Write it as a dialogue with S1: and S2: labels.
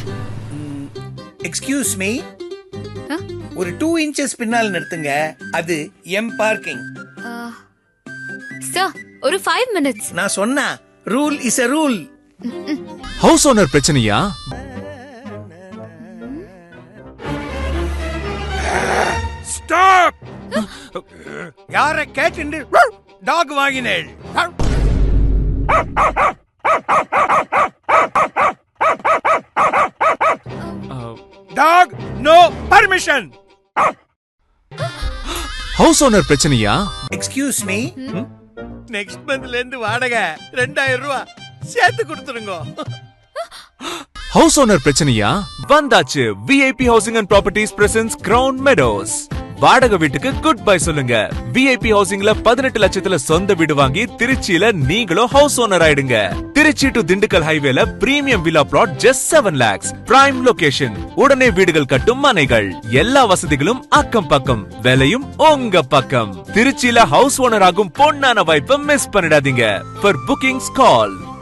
S1: Excuse me, ஒரு 2 inches பின்னால் நிறுத்துங்க. அது எம் பார்க்கிங்.
S2: சார் ஒரு 5 minutes.
S1: நான் சொன்னா rule is a rule.
S3: House owner பிரச்சனையா?
S1: ஸ்டாப். யார கேட்டு டாக் வாங்கினேள்? Dog no permission.
S3: ஹவுஸ் ஓனர் பிரச்சனையா?
S1: எக்ஸ்கியூஸ் மீ, நெக்ஸ்ட் மந்த்ல இருந்து வாடகை 2000 ரூபாய் சேர்த்து கொடுத்துருங்க.
S3: ஹவுஸ் ஓனர் பிரச்சனையா? வந்தாச்சு. VIP housing and properties presence crown meadows. வாடகை வீட்டுக்கு குட் பை சொல்லுங்க. விஐபி ஹவுசிங்ல 18 லட்சத்துல சொந்த வீடு வாங்கி திருச்சியில நீங்களும் ஹவுஸ் ஓனர் ஆயிடுங்க. திருச்சி டு திண்டுக்கல் ஹைவேல premium villa plot just 7 lakhs. Prime location. உடனே வீடுகள் கட்டும் மனைகள். எல்லா வசதிகளும் அக்கம் பக்கம். விலையும் உங்க பக்கம். திருச்சியில ஹவுஸ் ஓனர் ஆகும் பொன்னான வாய்ப்பை மிஸ் பண்ணிடாதீங்க. For bookings call